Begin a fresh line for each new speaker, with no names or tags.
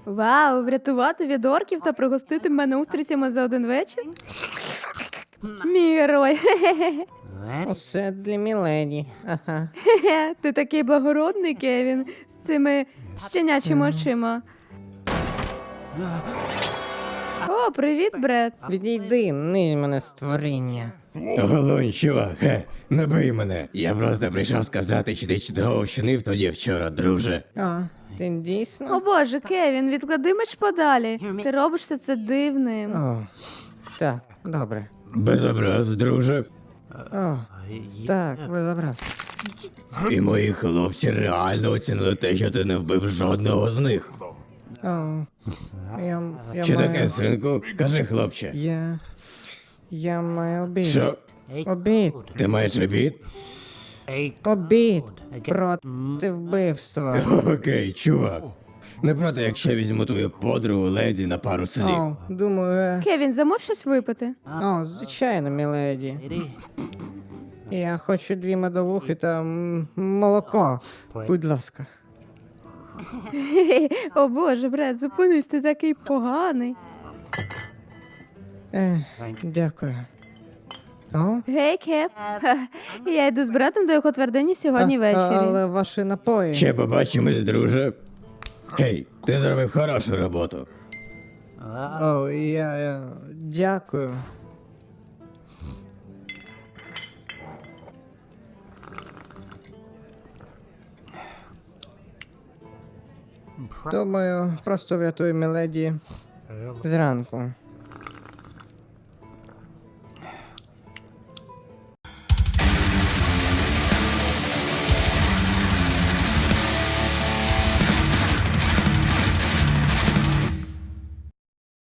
Вау, врятувати від орків та пригостити мене устрицями за один вечір? Мій герой.
Усе для міледі. Ага.
Ти такий благородний, Кевін, з цими щенячими очима. О, привіт, Бред.
Відійди, низь мене створіння.
Голонь, чувак, не бий мене. Я просто прийшов сказати, що ти чудово вчинив тоді вчора, друже.
О, ти
О
дійсно?
боже, Кевін, відклади меч подалі. Ти робиш це дивним.
О, так, добре.
Без образ, друже.
О, так, безобраз.
І мої хлопці реально оцінили те, що ти не вбив жодного з них.
О, я
Що
маю...
таке, синку? Кажи, хлопче.
Я маю обід.
Що?
Обід.
Ти маєш обід?
Обід. Проти вбивства.
Окей, чувак. Не проти, якщо візьму твою подругу леді на пару слів.
О, думаю,
Кевін, замов щось випити.
О, звичайно, міледі. Я хочу 2 медовухи та молоко. Будь ласка.
О боже, Бред, зупинись, ти такий поганий.
Дякую. О?
Гей, Кеп. Я йду з братом до його твердині сьогодні ввечері.
Але ваші напої.
Ще побачимось, друже. Гей, ти зробив хорошу роботу.
О, я дякую. Думаю, просто врятую міледі зранку.